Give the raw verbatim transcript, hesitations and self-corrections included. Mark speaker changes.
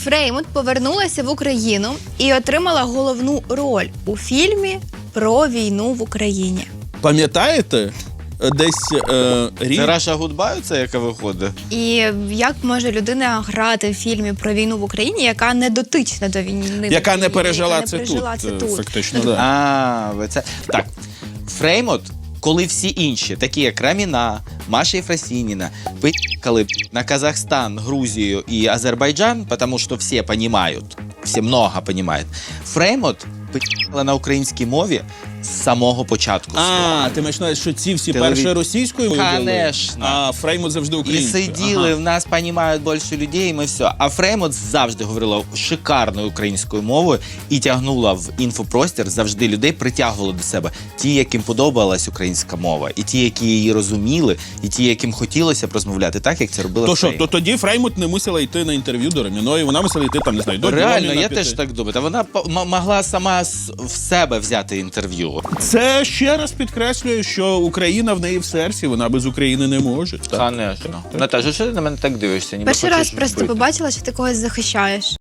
Speaker 1: Фреймут повернулася в Україну і отримала головну роль у фільмі про війну в Україні.
Speaker 2: Пам'ятаєте? Десь е, рік...
Speaker 3: Це Раша Гудбай, це яка виходить?
Speaker 1: І як може людина грати в фільмі про війну в Україні, яка не дотична до війни?
Speaker 2: Яка не пережила
Speaker 1: яка
Speaker 2: це
Speaker 1: не пережила
Speaker 2: тут,
Speaker 1: це
Speaker 2: е,
Speaker 1: тут.
Speaker 2: фактично,
Speaker 1: Ну,
Speaker 2: да.
Speaker 3: А, ви це... Так, Фреймут, коли всі інші, такі як Раміна, Маша Єфросініна, поїхали на Казахстан, Грузію і Азербайджан, тому що всі розуміють, всі много розуміють, Фреймут поїхала на українській мові з самого початку.
Speaker 2: А, ти маєш на увазі, що ці всі
Speaker 3: Телевід-
Speaker 2: перше російською вели,
Speaker 3: Конечно.
Speaker 2: а Фреймут завжди
Speaker 3: І
Speaker 2: українською.
Speaker 3: сиділи,
Speaker 2: Ага.
Speaker 3: в нас розуміють більше людей, і ми все. А Фреймут завжди говорила шикарною українською мовою і тягнула в інфопростір завжди людей, притягувала до себе. Ті, яким подобалась українська мова, і ті, які її розуміли, і ті, яким хотілося б розмовляти так, як це робила
Speaker 2: То що,
Speaker 3: Фреймут.
Speaker 2: то тоді Фреймут не мусила йти на інтерв'ю до Реміної, вона мусила йти там, не знаю, до
Speaker 3: Реально,
Speaker 2: Дьоміна
Speaker 3: я
Speaker 2: піти.
Speaker 3: теж так думаю. Та вона по- м- могла сама з- в себе взяти інтерв'ю.
Speaker 2: Це ще раз підкреслює, що Україна в неї в серці, вона без України не може. Так?
Speaker 3: Конечно. Наташа, що ти на мене так дивишся? Ніби
Speaker 1: Перший раз
Speaker 3: хочеш
Speaker 1: просто
Speaker 3: вбити?
Speaker 1: побачила, що ти когось захищаєш.